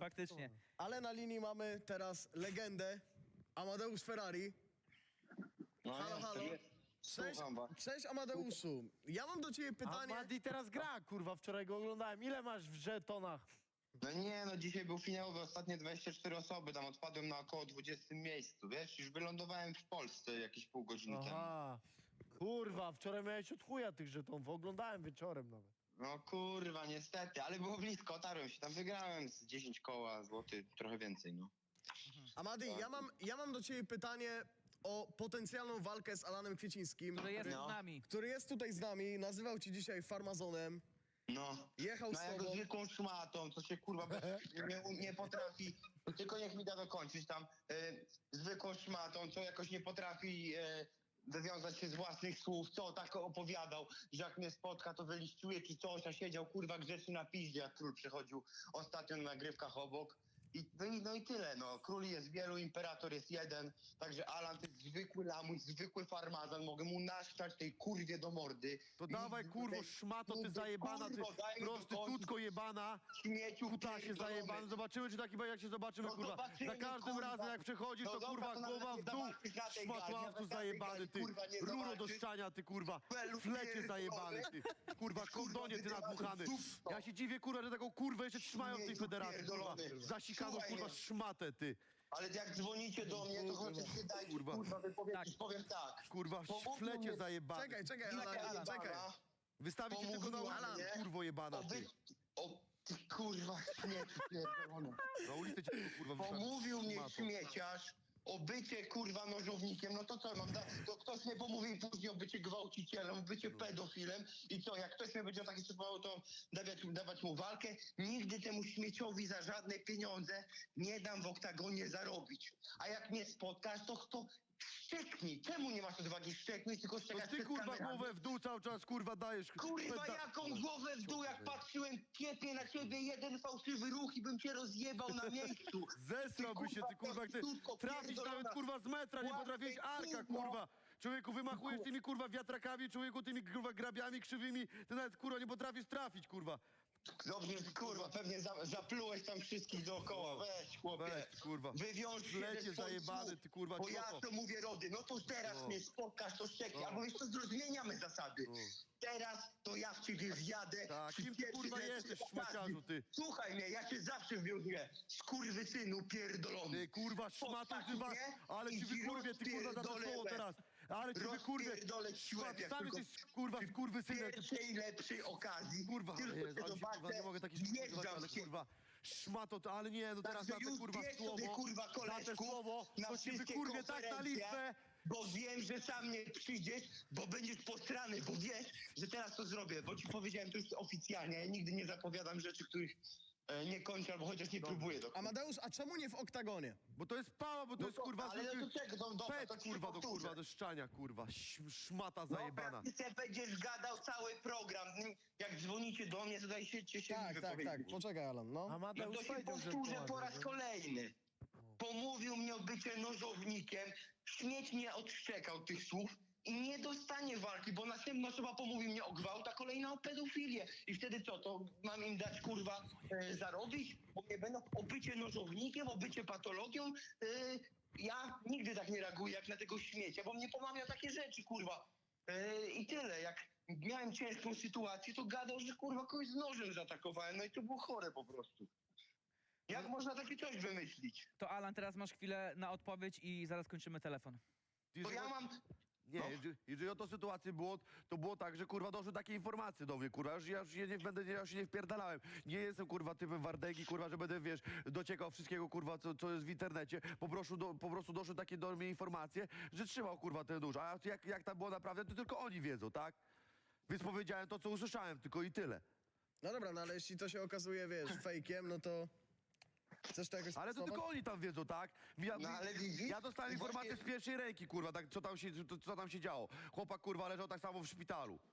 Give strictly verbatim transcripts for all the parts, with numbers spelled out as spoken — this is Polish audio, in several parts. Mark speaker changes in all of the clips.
Speaker 1: faktycznie.
Speaker 2: Ale na linii mamy teraz legendę Amadeusz Ferrari.
Speaker 3: No,
Speaker 2: Halo,
Speaker 3: jestem,
Speaker 2: halo.
Speaker 3: jest.
Speaker 2: Cześć,
Speaker 3: Słucham was.
Speaker 2: cześć Amadeuszu. Ja mam do ciebie pytanie.
Speaker 4: A Madi teraz gra, kurwa, wczoraj go oglądałem. Ile masz w żetonach?
Speaker 3: No nie, no dzisiaj był finałowy, ostatnie dwadzieścia cztery osoby, tam odpadłem na około dwudziestym miejscu, wiesz? Już wylądowałem w Polsce jakieś pół godziny temu.
Speaker 4: Aha. Kurwa, wczoraj miałeś od chuja tych żetonów. Oglądałem wieczorem nawet.
Speaker 3: No kurwa, niestety, ale było blisko, otarłem się, tam wygrałem z dziesięć koła złoty, trochę więcej, no.
Speaker 2: Amadi, ja mam, ja mam do ciebie pytanie o potencjalną walkę z Alanem Kwiecińskim,
Speaker 1: Który jest
Speaker 3: No.
Speaker 1: z nami.
Speaker 2: który jest tutaj z nami, nazywał ci dzisiaj farmazonem.
Speaker 3: No,
Speaker 2: Jechał
Speaker 3: no
Speaker 2: z
Speaker 3: jako
Speaker 2: tobą.
Speaker 3: zwykłą szmatą, co się kurwa bez, nie, nie potrafi, tylko niech mi da dokończyć tam, e, zwykłą szmatą, co jakoś nie potrafi e, wywiązać się z własnych słów, co tak opowiadał, że jak mnie spotka, to wyliściuje czy coś, a siedział kurwa grzecznie na piździe, jak król przychodził ostatnio na nagrywkach obok. I, no, i, no i tyle, no. Król jest wielu, imperator jest jeden, także Alan to jest zwykły lamuś, zwykły farmazon, mogę mu naszczać tej kurwie do mordy.
Speaker 4: To
Speaker 3: I-
Speaker 4: dawaj, kurwo,
Speaker 3: tej-
Speaker 4: szmato, ty
Speaker 3: kurwo,
Speaker 4: zajebana, ty
Speaker 3: kurwo, daj mi
Speaker 4: prostytutko
Speaker 3: dokończyć.
Speaker 4: jebana.
Speaker 3: Śmieciu
Speaker 4: Kutasie
Speaker 3: pierdolony.
Speaker 4: zajebany. Zobaczymy, czy taki jak się zobaczymy,
Speaker 3: No
Speaker 4: kurwa.
Speaker 3: zobaczymy,
Speaker 4: Za każdym
Speaker 3: kurwa.
Speaker 4: razem, jak przechodzisz,
Speaker 3: No
Speaker 4: to
Speaker 3: dobra,
Speaker 4: kurwa
Speaker 3: to nawet
Speaker 4: głowa
Speaker 3: nie
Speaker 4: w dół.
Speaker 3: zobaczysz na tej gali,
Speaker 4: Szmatławcu
Speaker 3: nawet na tej
Speaker 4: zajebany,
Speaker 3: gali,
Speaker 4: ty.
Speaker 3: kurwa, nie
Speaker 4: Ruro do
Speaker 3: zobaczysz.
Speaker 4: szczania, ty, kurwa.
Speaker 3: Belu
Speaker 4: Flecie
Speaker 3: pierdolony.
Speaker 4: zajebany, ty. Kurwa, kondonie, ty nadmuchany. Ja się dziwię, kurwa, że taką kurwę jeszcze trzymają w tej
Speaker 3: Śmieciu
Speaker 4: federacji, kurwa.
Speaker 3: pierdolony.
Speaker 4: Zasikaną,
Speaker 3: Słuchaj
Speaker 4: kurwa,
Speaker 3: mnie.
Speaker 4: szmatę, ty.
Speaker 3: Ale jak dzwonicie do mnie, to chociaż nie dajcie
Speaker 4: Kurwa.
Speaker 3: kurwa wypowiedzieć,
Speaker 1: Tak.
Speaker 3: powiem tak.
Speaker 4: Kurwa,
Speaker 3: Pomówił
Speaker 4: w flecie
Speaker 3: mnie-
Speaker 4: zajebany.
Speaker 2: Czekaj, czekaj,
Speaker 3: Jaka
Speaker 2: Alan,
Speaker 3: Alan,
Speaker 2: czekaj.
Speaker 4: Wystawić cię tylko na
Speaker 3: Pomówiła
Speaker 4: ulicę,
Speaker 3: mnie
Speaker 4: kurwo jebana,
Speaker 3: o
Speaker 4: ty.
Speaker 3: wy- O, ty kurwa śmieci pierdolony.
Speaker 4: Na ulicę cię tylko, kurwa, wystawić.
Speaker 3: Pomówił mnie
Speaker 4: Szmato.
Speaker 3: śmieciarz o bycie kurwa nożownikiem, no to co mam, da, to ktoś mnie pomówił później o bycie gwałcicielem, o bycie pedofilem i co, jak ktoś mnie będzie o takie sytuował, to dawać, dawać mu walkę, nigdy temu śmieciowi za żadne pieniądze nie dam w oktagonie zarobić. A jak mnie spotkasz, to kto szczeknij, czemu nie masz odwagi szczeknąć, tylko
Speaker 4: To
Speaker 3: szczekać
Speaker 4: ty,
Speaker 3: przed
Speaker 4: kurwa,
Speaker 3: kamerami?
Speaker 4: głowę w dół cały czas, kurwa, dajesz.
Speaker 3: Kurwa,
Speaker 4: Peda-
Speaker 3: jaką głowę w dół, jak patrzyłem piepie na ciebie, jeden fałszywy ruch i bym cię rozjebał na miejscu.
Speaker 4: Zesrałby się, ty, kurwa, jak ty
Speaker 3: prostytutko
Speaker 4: trafić
Speaker 3: pierdolona.
Speaker 4: nawet, kurwa, z metra, nie
Speaker 3: Łapy,
Speaker 4: potrafiłeś arka,
Speaker 3: kurwa.
Speaker 4: kurwa. Człowieku, wymachujesz tymi, kurwa, wiatrakami, człowieku, tymi, kurwa, grabiami krzywymi, ty nawet, kurwa, nie potrafisz trafić, kurwa.
Speaker 3: Dobrze, kurwa, pewnie za, zaplułeś tam wszystkich dookoła. Weź, chłopie.
Speaker 4: Weź, kurwa.
Speaker 3: Wywiąż się
Speaker 4: Flecie
Speaker 3: ze swoich
Speaker 4: zajebany,
Speaker 3: słów,
Speaker 4: ty, kurwa,
Speaker 3: Bo ja
Speaker 4: cioto.
Speaker 3: to mówię, Rody, no to teraz
Speaker 4: No.
Speaker 3: mnie spotkasz, to szczeknij.
Speaker 4: No.
Speaker 3: Albo wiesz co, zmieniamy zasady. Teraz to ja w ciebie wjadę.
Speaker 4: Tak,
Speaker 3: przy
Speaker 4: kim ty,
Speaker 3: pierwszej
Speaker 4: kurwa,
Speaker 3: lepszej
Speaker 4: jesteś,
Speaker 3: okazji.
Speaker 4: szmaciarzu, ty?
Speaker 3: Słuchaj mnie, ja cię zawsze wwiązuję. Skurwysynu pierdolony.
Speaker 4: Ty, kurwa, szmatą, ty, wa...
Speaker 3: Spotkasz mnie
Speaker 4: ale
Speaker 3: i
Speaker 4: ci
Speaker 3: ci
Speaker 4: wykurwię, ty, kurwa, za to
Speaker 3: rozpierdolę
Speaker 4: słowo
Speaker 3: łeb.
Speaker 4: teraz. Ale ci wykurwię.
Speaker 3: Rozpierdolę ci łeb, jak
Speaker 4: Sam
Speaker 3: tylko
Speaker 4: jesteś, kurwa,
Speaker 3: przy
Speaker 4: skurwysynem.
Speaker 3: pierwszej lepszej okazji.
Speaker 4: Kurwa,
Speaker 3: tylko
Speaker 4: Jezu,
Speaker 3: cię
Speaker 4: ale się,
Speaker 3: zobaczę,
Speaker 4: kurwa, nie mogę takich słów używać,
Speaker 3: wjeżdżam
Speaker 4: ale
Speaker 3: w ciebie.
Speaker 4: kurwa, szmato, to, ale nie, no teraz
Speaker 3: Także
Speaker 4: na te,
Speaker 3: już
Speaker 4: kurwa,
Speaker 3: bierz
Speaker 4: słowo,
Speaker 3: sobie, kurwa,
Speaker 4: za te
Speaker 3: koleżków,
Speaker 4: słowo,
Speaker 3: na
Speaker 4: to ci
Speaker 3: wszystkie
Speaker 4: wykurwię tak na
Speaker 3: konferencje,
Speaker 4: listę.
Speaker 3: Bo wiem, że sam nie przyjdziesz, bo będziesz postrany, bo wiesz, że teraz to zrobię, bo ci powiedziałem to już oficjalnie, ja nigdy nie zapowiadam rzeczy, których e, nie kończę, albo chociaż nie próbuję do końca.
Speaker 2: Amadeusz, a czemu nie w oktagonie?
Speaker 4: Bo to jest pała, bo to
Speaker 3: No
Speaker 4: jest,
Speaker 3: to-
Speaker 4: kurwa,
Speaker 3: ale
Speaker 4: zwykły
Speaker 3: no to czego, no dobra,
Speaker 4: pet,
Speaker 3: to ci
Speaker 4: kurwa, do,
Speaker 3: powtórzę.
Speaker 4: kurwa, do szczania, kurwa, Ś- szmata
Speaker 3: Dobra,
Speaker 4: zajebana.
Speaker 3: ty se będziesz gadał cały program, jak dzwonicie do mnie, to dajcie się
Speaker 2: Tak,
Speaker 3: mi
Speaker 2: tak,
Speaker 3: wypowiedzieć.
Speaker 2: tak, poczekaj Alan, no.
Speaker 3: No
Speaker 4: Amadeusz
Speaker 3: to się
Speaker 4: powiedział, że
Speaker 3: powtórzę
Speaker 4: była,
Speaker 3: po raz
Speaker 4: że-
Speaker 3: kolejny. Pomówił mnie o bycie nożownikiem, śmieć mnie odszczekał tych słów i nie dostanie walki, bo następna osoba pomówi mnie o gwałt, a kolejna o pedofilię. I wtedy co, to mam im dać, kurwa, e, zarobić? Bo mnie będą o bycie nożownikiem, o bycie patologią. E, ja nigdy tak nie reaguję jak na tego śmiecia, bo mnie pomawia takie rzeczy, kurwa. E, I tyle. Jak miałem ciężką sytuację, to gadał, że kurwa kogoś z nożem zaatakowałem, no i to było chore po prostu. Jak można takie coś wymyślić?
Speaker 1: To Alan, teraz masz chwilę na odpowiedź i zaraz kończymy telefon.
Speaker 3: Bo ja mam...
Speaker 4: Nie,
Speaker 3: No.
Speaker 4: jeżeli, jeżeli o to sytuację było, to było tak, że kurwa doszły takie informacje do mnie, kurwa, ja już, ja już się nie będę, ja już się nie wpierdalałem. Nie jestem kurwa typem Wardęgi, kurwa, że będę, wiesz, dociekał wszystkiego, kurwa, co, co jest w internecie. Po prostu, do, po prostu doszły takie do mnie informacje, że trzymał kurwa ten nóż. A jak, jak tam było naprawdę, to tylko oni wiedzą, tak? Więc powiedziałem to, co usłyszałem, tylko i tyle.
Speaker 2: No dobra, no ale jeśli to się okazuje, wiesz, fejkiem, no to... Chcesz to jakoś
Speaker 4: Ale to
Speaker 2: sprostować?
Speaker 4: tylko oni tam wiedzą, tak? Ja,
Speaker 3: No, ale widzisz?
Speaker 4: ja dostałem
Speaker 3: Właśnie-
Speaker 4: informację z pierwszej ręki, kurwa, tak, co tam się, co, co tam się działo. Chłopak, kurwa, leżał tak samo w szpitalu.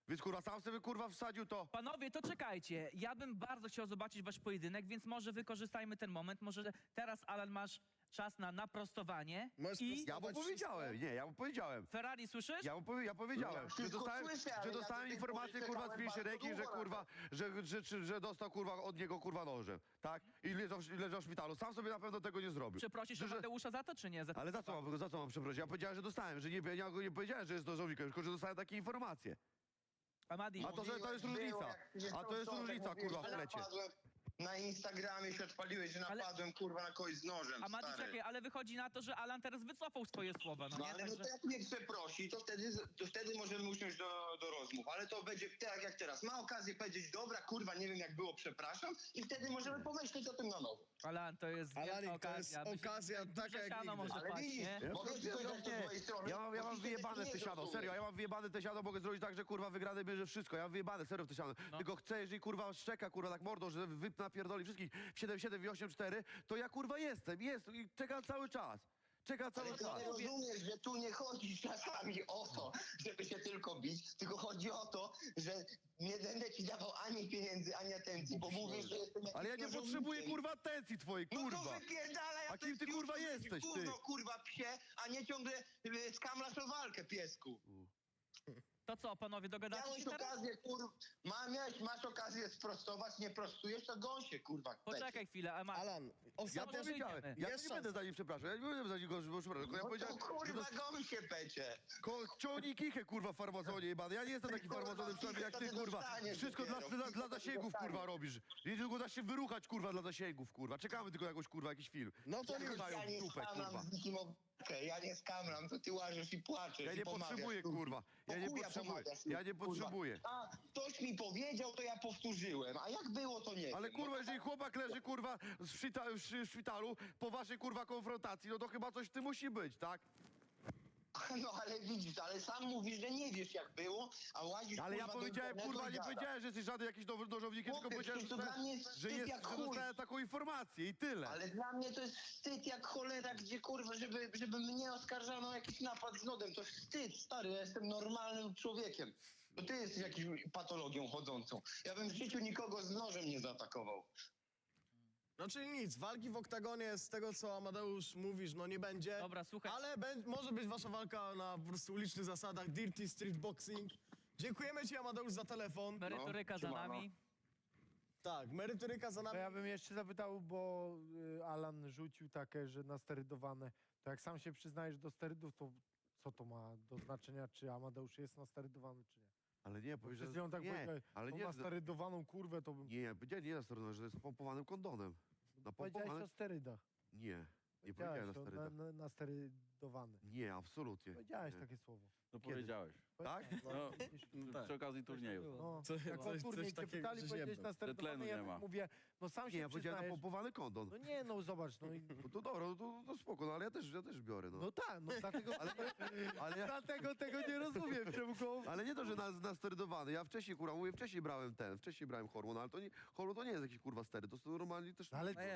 Speaker 4: Więc kurwa, sam sobie kurwa wsadził to.
Speaker 1: Panowie, to czekajcie. Ja bym bardzo chciał zobaczyć wasz pojedynek, więc może wykorzystajmy ten moment. Może teraz, Alan, masz czas na naprostowanie.
Speaker 2: Możesz
Speaker 1: I
Speaker 4: Ja mu powiedziałem, nie, ja mu powiedziałem.
Speaker 1: Ferrari, słyszysz?
Speaker 4: Ja mu powie, ja powiedziałem,
Speaker 3: Ja
Speaker 4: że
Speaker 3: wszystko
Speaker 4: dostałem,
Speaker 3: słyszę, ale
Speaker 4: że
Speaker 3: ja
Speaker 4: dostałem
Speaker 3: do tej
Speaker 4: informację
Speaker 3: pory
Speaker 4: kurwa z
Speaker 3: czekałem
Speaker 4: pierwszej ręki,
Speaker 3: bardzo
Speaker 4: że
Speaker 3: długo
Speaker 4: kurwa, że, że, że, że dostał kurwa od niego kurwa nożem, tak? I leżał, w- leżał w szpitalu. Sam sobie na pewno tego nie zrobił.
Speaker 1: Przeprosisz
Speaker 4: Że- że-
Speaker 1: Mateusza za to, czy nie? Za
Speaker 4: Ale za co mam, za co mam przeprosić? Ja powiedziałem, że dostałem, że nie, ja go nie powiedziałem, że jest nożownikiem, tylko że dostałem takie informacje.
Speaker 1: Amadi,
Speaker 4: A to, że to jest
Speaker 3: Było,
Speaker 4: różnica.
Speaker 3: jak się
Speaker 4: A to jest
Speaker 3: wczoraj
Speaker 4: różnica,
Speaker 3: mówiłeś,
Speaker 4: kurwa, w
Speaker 3: że
Speaker 4: lecie.
Speaker 3: napadłem Na Instagramie się odpaliłeś, że
Speaker 1: Ale-
Speaker 3: napadłem kurwa na kogoś z nożem,
Speaker 1: Amadi,
Speaker 3: stary.
Speaker 1: czekaj, ale wychodzi na to, że Alan teraz wycofał swoje słowa, no
Speaker 3: No
Speaker 1: nie?
Speaker 3: ale no
Speaker 1: Także...
Speaker 3: to jak mnie przeprosi, to wtedy, to wtedy możemy usiąść do, do rozmów. Ale to będzie tak jak teraz. Ma okazję powiedzieć, dobra, kurwa, nie wiem jak było, przepraszam. I wtedy możemy pomyśleć o tym na nowo.
Speaker 1: Alan, to jest wielka
Speaker 2: Alanik, to jest
Speaker 1: okazja.
Speaker 2: okazja
Speaker 1: Myślę,
Speaker 2: taka
Speaker 1: duże
Speaker 2: jak
Speaker 1: siano
Speaker 2: nigdy.
Speaker 1: może
Speaker 3: Ale
Speaker 1: paść,
Speaker 3: widzisz,
Speaker 1: nie?
Speaker 4: Ja,
Speaker 3: mogę
Speaker 4: ja,
Speaker 3: ci powiedzieć to z mojej strony.
Speaker 4: ja, mam, ja mam
Speaker 3: bo ty tego
Speaker 4: wyjebane w
Speaker 3: nie
Speaker 4: te siano,
Speaker 3: zrozumiesz.
Speaker 4: serio, ja mam wyjebane w te siano, mogę zrobić tak, że kurwa wygrany bierze wszystko, ja mam wyjebane serio w te siano.
Speaker 1: No.
Speaker 4: Tylko chcę, jeżeli kurwa szczeka, kurwa tak mordą, że wyp napierdoli wszystkich w siedem siedem i osiem cztery, to ja kurwa jestem, jest i czekam cały czas. Czekam cały
Speaker 3: Ale ty
Speaker 4: czas.
Speaker 3: nie rozumiesz, że tu nie chodzi czasami o to, żeby się tylko bić, tylko chodzi o to, że nie będę ci dawał ani pieniędzy, ani atencji, bo mówisz, że jestem jakiś
Speaker 4: Ale ja nie
Speaker 3: nożownikiem.
Speaker 4: potrzebuję kurwa atencji twojej,
Speaker 3: No to
Speaker 4: kurwa.
Speaker 3: wypierdalaj,
Speaker 4: A kim ty, kurwa, jesteś, ty?
Speaker 3: Gówno, kurwa, psie, a nie ciągle y, skamlasz o walkę, piesku.
Speaker 1: To co, panowie, dogadacie się
Speaker 3: Miałeś
Speaker 1: teraz?
Speaker 3: okazję, kurwa, ma, miałeś, masz okazję sprostować, nie prostujesz, to gąś się, kurwa. w pecie.
Speaker 1: Poczekaj chwilę, Ama...
Speaker 2: Alan,
Speaker 4: Ja
Speaker 2: ostatnia
Speaker 1: może
Speaker 4: powiedziałem,
Speaker 1: idziemy.
Speaker 4: ja
Speaker 2: Jest
Speaker 4: nie będę
Speaker 2: szansa.
Speaker 4: za nim przepraszał, ja nie będę za niego przepraszał, tylko ja
Speaker 3: No
Speaker 4: powiedziałem,
Speaker 3: to
Speaker 4: że
Speaker 3: kurwa,
Speaker 4: dos-
Speaker 3: gąś się, pecie.
Speaker 4: Ko- ciągnij kichę, kurwa, farmazonie jebany. Ja nie jestem taki
Speaker 3: Kurwa,
Speaker 4: farmazonem przynajmniej jak
Speaker 3: to
Speaker 4: ty,
Speaker 3: ty
Speaker 4: kurwa.
Speaker 3: dostaniesz
Speaker 4: Wszystko dla,
Speaker 3: dopiero.
Speaker 4: dla, dla
Speaker 3: To ty
Speaker 4: zasięgów, kurwa,
Speaker 3: dostaniesz.
Speaker 4: robisz. Nie tylko da się wyruchać, kurwa, dla zasięgów, kurwa. Czekamy tylko jakoś, kurwa, jakiś film.
Speaker 2: No to
Speaker 4: Ja
Speaker 2: już.
Speaker 4: nie dają
Speaker 3: Ja
Speaker 4: w
Speaker 3: nie
Speaker 4: dupę, kurwa.
Speaker 3: skamlam z nikim o walkę, ja nie skamlam, to ty łażesz i płaczesz
Speaker 4: Ja
Speaker 3: i
Speaker 4: nie
Speaker 3: pomawiasz,
Speaker 4: potrzebuję,
Speaker 3: kurwa.
Speaker 4: kurwa. Ja
Speaker 3: Po
Speaker 4: nie
Speaker 3: chuja
Speaker 4: potrzebuję.
Speaker 3: pomagasz,
Speaker 4: Ja nie
Speaker 3: kurwa.
Speaker 4: potrzebuję.
Speaker 3: A ktoś mi powiedział, to ja powtórzyłem, a jak było, to nie
Speaker 4: Ale
Speaker 3: wiem.
Speaker 4: kurwa,
Speaker 3: No,
Speaker 4: jeżeli chłopak leży, kurwa, w, szpita- w szy- szpitalu po waszej, kurwa, konfrontacji, no to chyba coś w tym musi być, tak?
Speaker 3: no ale widzisz, ale sam mówisz, że nie wiesz jak było, a łazisz,
Speaker 4: Ale ja
Speaker 3: kurwa, do
Speaker 4: powiedziałem,
Speaker 3: internetu
Speaker 4: kurwa,
Speaker 3: i
Speaker 4: nie
Speaker 3: gadasz.
Speaker 4: powiedziałem, że jesteś żaden jakiś nowy nożownikiem, tylko
Speaker 3: Chłopie,
Speaker 4: powiedziałem, że,
Speaker 3: przecież to dla mnie jest
Speaker 4: że,
Speaker 3: wstyd
Speaker 4: jest,
Speaker 3: jak
Speaker 4: że
Speaker 3: chuj.
Speaker 4: dostałem taką informację i tyle.
Speaker 3: Ale dla mnie to jest wstyd jak cholera, gdzie kurwa, żeby, żeby mnie oskarżano o jakiś napad z nodem. To wstyd, stary, ja jestem normalnym człowiekiem. To ty jesteś jakąś patologią chodzącą. Ja bym w życiu nikogo z nożem nie zaatakował.
Speaker 2: No czyli nic, walki w oktagonie z tego, co Amadeusz mówisz, no nie będzie.
Speaker 1: Dobra, słuchaj.
Speaker 2: Ale bę- może być wasza walka na po prostu ulicznych zasadach, Dirty Street Boxing. Dziękujemy ci, Amadeusz, za telefon.
Speaker 1: Merytoryka za
Speaker 3: siemano.
Speaker 1: nami.
Speaker 2: Tak, merytoryka za
Speaker 5: To
Speaker 2: nami.
Speaker 5: ja bym jeszcze zapytał, bo y, Alan rzucił takie, że nasterydowane. To jak sam się przyznajesz do sterydów, to co to ma do znaczenia, czy Amadeusz jest nasterydowany, czy nie?
Speaker 4: Ale nie,
Speaker 5: Bo
Speaker 4: powiedz,
Speaker 5: przed
Speaker 4: że...
Speaker 5: chwilą tak
Speaker 4: nie,
Speaker 5: powiedziałeś,
Speaker 4: ale
Speaker 5: tą
Speaker 4: nie,
Speaker 5: nasterydowaną kurwę, to bym...
Speaker 4: nie, nie, powiedziałem, nie na stronę, że jest pompowanym kondonem. Na
Speaker 5: Powiedziałeś
Speaker 4: pompowanym...
Speaker 5: o sterydach.
Speaker 4: Nie, nie powiedziałem na
Speaker 5: Powiedziałeś, to
Speaker 4: sterydach.
Speaker 5: na, na, nasterydowany.
Speaker 4: Nie, absolutnie.
Speaker 5: Powiedziałeś
Speaker 4: nie.
Speaker 5: takie słowo.
Speaker 6: No
Speaker 4: Kiedy?
Speaker 6: powiedziałeś.
Speaker 4: Tak?
Speaker 6: No,
Speaker 5: No,
Speaker 6: przy okazji turnieju.
Speaker 5: no,
Speaker 2: Co-
Speaker 5: jak
Speaker 2: coś-
Speaker 5: o turniej
Speaker 2: coś
Speaker 5: cię
Speaker 2: takiego,
Speaker 5: pytali,
Speaker 2: że
Speaker 5: powiedziałeś
Speaker 2: jebnął.
Speaker 5: nasterydowany,
Speaker 6: Tlenu
Speaker 5: ja
Speaker 6: nie ma.
Speaker 5: mówię, no sam
Speaker 4: Nie,
Speaker 5: się
Speaker 4: ja powiedziałem na
Speaker 5: przyznajesz.
Speaker 4: pompowany kondon.
Speaker 5: No nie, no zobacz, no, i,
Speaker 4: No to dobra, no to, to spoko, no ale ja też, ja też biorę, no.
Speaker 5: no tak, no dlatego, ale,
Speaker 4: Ale, ja,
Speaker 5: dlatego tego nie rozumiem, czemu go...
Speaker 4: ale nie to, że na, nasterydowany. Ja wcześniej, kurwa, mówię, wcześniej brałem ten, wcześniej brałem hormon, ale to nie, hormon to nie jest jakiś, kurwa, stery, to są normalnie też...
Speaker 5: Ale